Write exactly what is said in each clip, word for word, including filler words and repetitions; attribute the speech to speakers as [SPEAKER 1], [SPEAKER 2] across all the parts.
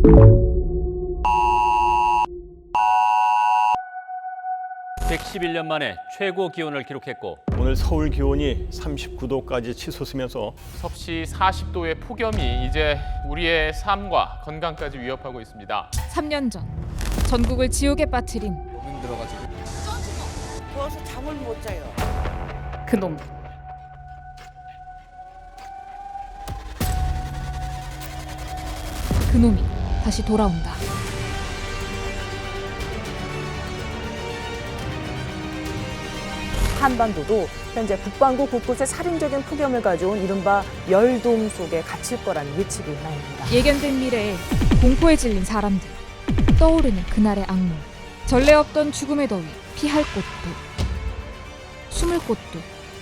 [SPEAKER 1] 백십일 년 만에 최고 기온을 기록했고
[SPEAKER 2] 오늘 서울 기온이 삼십구 도까지 치솟으면서
[SPEAKER 3] 섭씨 사십 도의 폭염이 이제 우리의 삶과 건강까지 위협하고 있습니다.
[SPEAKER 4] 삼 년 전 전국을 지옥에 빠뜨린
[SPEAKER 5] 더워서 잠을 못 자요.
[SPEAKER 4] 그놈. 그놈이 다시 돌아온다.
[SPEAKER 6] 한반도도 현재 북반구 곳곳에 살인적인 폭염을 가져온 이른바 열돔 속에 갇힐 거라는 예측이 나옵니다.
[SPEAKER 4] 예견된 미래에 공포에 질린 사람들, 떠오르는 그날의 악몽, 전례 없던 죽음의 더위, 피할 곳도 숨을 곳도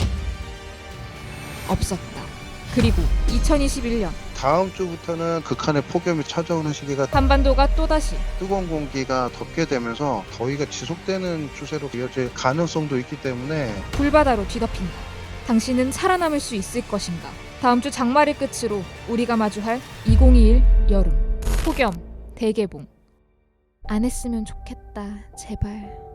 [SPEAKER 4] 없었다. 그리고 이천이십일 년
[SPEAKER 7] 다음 주부터는 극한의 폭염이 찾아오는 시기가
[SPEAKER 4] 한반도가 또다시
[SPEAKER 7] 뜨거운 공기가 덮게 되면서 더위가 지속되는 추세로 이어질 가능성도 있기 때문에
[SPEAKER 4] 불바다로 뒤덮인다. 당신은 살아남을 수 있을 것인가? 다음 주 장마를 끝으로 우리가 마주할 이천이십일 여름 폭염 대개봉. 안 했으면 좋겠다. 제발.